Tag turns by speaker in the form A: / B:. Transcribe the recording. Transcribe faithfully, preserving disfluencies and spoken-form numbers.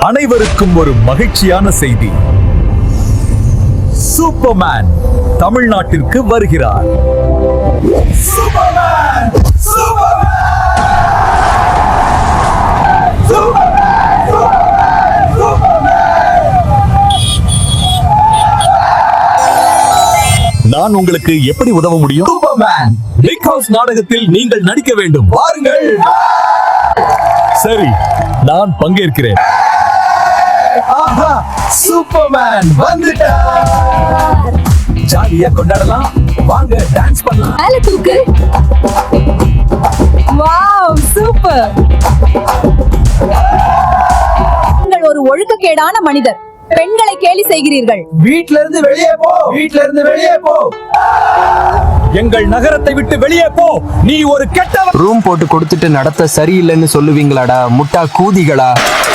A: அனைவருக்கும் ஒரு மகிழ்ச்சியான செய்தி. சூப்பர்மேன் தமிழ்நாட்டிற்கு வருகிறார். சூப்பர்மேன்! சூப்பர்மேன்! நான் உங்களுக்கு எப்படி உதவ முடியும்? சூப்பர்மேன் பிக் ஹவுஸ் நாடகத்தில் நீங்கள் நடிக்க வேண்டும். வாருங்கள். சரி, நான் பங்கேற்கிறேன். ஆஹா, சூப்பர்மேன் வந்துட்டார். ஜாலியா கொண்டாடலாம். வாங்க டான்ஸ் பண்ணலாம்.
B: மேல தூக்கு. Wow, super. நீங்கள் ஒரு ஒழுக்கக்கேடான மனிதர். பெண்களை கேலி செய்கிறீர்கள்.
A: வீட்ல இருந்து வெளியே போ. வீட்ல இருந்து வெளியே போ. எங்கள் நகரத்தை விட்டு வெளியே போ. நீ ஒரு கெட்டவன்.
C: ரூம் போட்டு கொடுத்துட்டு நடத்த சரியில்லைன்னு சொல்லுவீங்களாடா முட்டா கூதிகளா?